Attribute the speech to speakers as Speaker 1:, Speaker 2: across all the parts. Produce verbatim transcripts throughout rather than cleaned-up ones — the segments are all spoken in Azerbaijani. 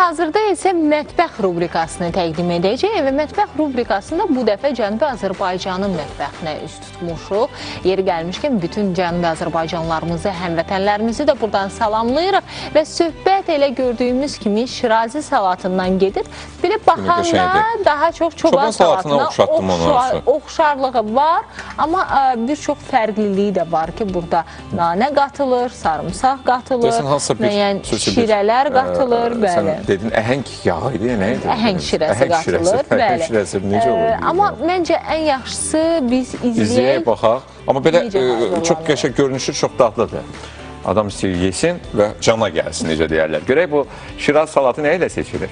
Speaker 1: Hazırda isə mətbəx rubrikasını təqdim edəcək və mətbəx rubrikasında bu dəfə Cənubi Azərbaycanın mətbəxinə üz tutmuşuq. Yeri gəlmişkən bütün Cənubi Azərbaycanlarımızı, həmvətənlərimizi də buradan salamlayırıq və söhbət elə gördüyümüz kimi Şirazi salatından gedir. Belə baxanda daha çox çoban salatına oxşarlığı var, amma bir çox fərqliliyi də var ki, burada nanə qatılır, sarımsaq qatılır, müəyyən şirələr qatılır, bəli.
Speaker 2: Dedin, əhəng yağı idi, nə idi?
Speaker 1: Əhəng şirəsi qatılır, bəli.
Speaker 2: Əhəng şirəsi necə olur?
Speaker 1: Amma məncə ən yaxşısı biz izləyək.
Speaker 2: İzləyək, baxaq. Amma belə çox qəşəng görünüşü, çox dadlıdır. Adam istəyir, yesin və cana gəlsin, necə deyərlər. Görək, bu Şiraz salatı nə ilə seçilir?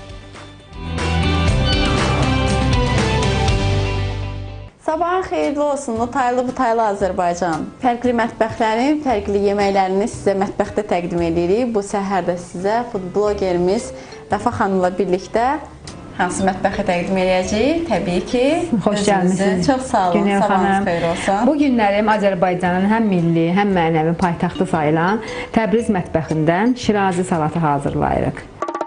Speaker 3: Sabahın xeyirli olsun, Notaylı Butaylı Azərbaycan. Fərqli mətbəxlərin, fərqli yeməklərini sizə mətbəxdə təqdim edirik. Bu səhərdə sizə food blogerimiz Vəfa xanımla birlikdə hansı mətbəxi təqdim edəcəyik? Təbii ki,
Speaker 4: xoş gəlmisiniz.
Speaker 3: Çox sağ olun, sabahınız xeyir olsun.
Speaker 4: Bu günlərim Azərbaycanın həm milli, həm mənəvi paytaxtı sayılan Təbriz mətbəxindən Şirazi salatı hazırlayırıq.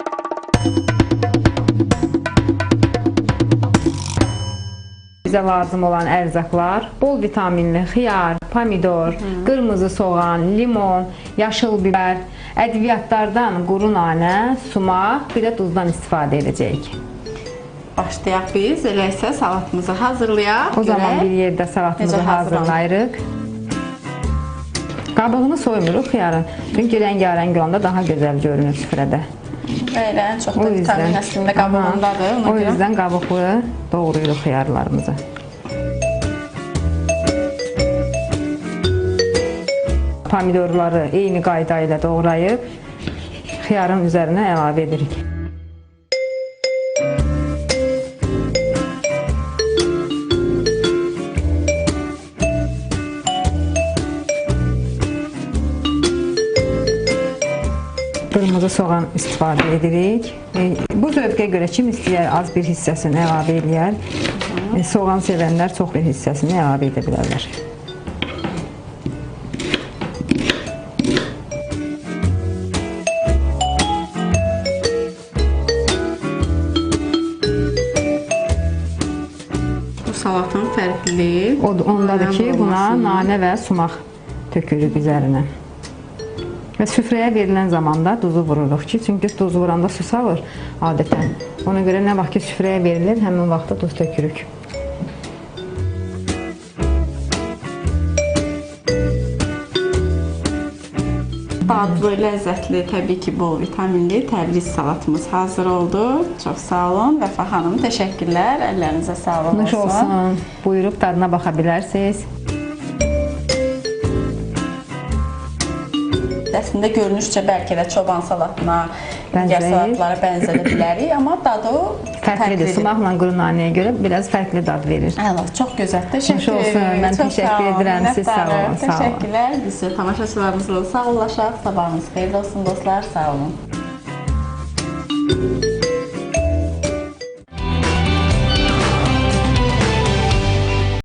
Speaker 4: Bizə lazım olan ərzaqlar, bol vitaminli xiyar, pomidor, Hı. qırmızı soğan, limon, yaşıl biber, ədviyyatlardan quru nanə, sumaq, bir də duzdan istifadə edəcəyik.
Speaker 3: Başlayaq biz, elə isə salatımızı hazırlayaq.
Speaker 4: O zaman bir yerdə salatımızı hazırlayırıq. Qabığını soymuruq xiyarın, çünki rəngarəng olanda daha gözəl görünür süfrədə.
Speaker 3: Belə, çox da vitamin əslində qabığındadır.
Speaker 4: O yüzdən qabıqlı doğrayırıq xiyarlarımızı. Pomidorları eyni qayda ilə doğrayıb xiyarın üzərinə əlavə edirik. Qırmızı soğan istifadə edirik. Bu zövqə görə kim istəyər az bir hissəsini əlavə edər. Soğan sevənlər çox bir hissəsini əlavə edə bilərlər.
Speaker 3: Bu salatın fərqliliyi
Speaker 4: ondadır ki, buna nanə və sumaq tökürük üzərinə. Və süfrəyə verilən zamanda duzu vururuq ki, çünki duzu vuranda su salır adətən. Ona görə nə vaxt ki, süfrəyə verilir, həmin vaxtda duz tökürük.
Speaker 3: Dadlı, ləzzətli, təbii ki, bol vitaminli Təbriz salatımız hazır oldu. Çox sağ olun Vəfa xanım, təşəkkürlər, əllərinizə sağlıq
Speaker 4: olsun. olsun. Buyurub dadına baxa bilərsiniz.
Speaker 3: Əslində görünüşcə bəlkə də çoban salatına, digər salatlara bənzədə bilərik, amma dadı
Speaker 4: fərqlidir. Sumaqla quru nanəyə görə biraz fərqli dad verir.
Speaker 3: Əla, çox gözəl. Təşəkkür
Speaker 4: edirəm. Mən təşəkkür edirəm. Siz sağ olun.
Speaker 3: Təşəkkürlər. Biz tamaşaçılarımızla sağollaşaq. Sabahınız xeyirli olsun dostlar. Sağ olun.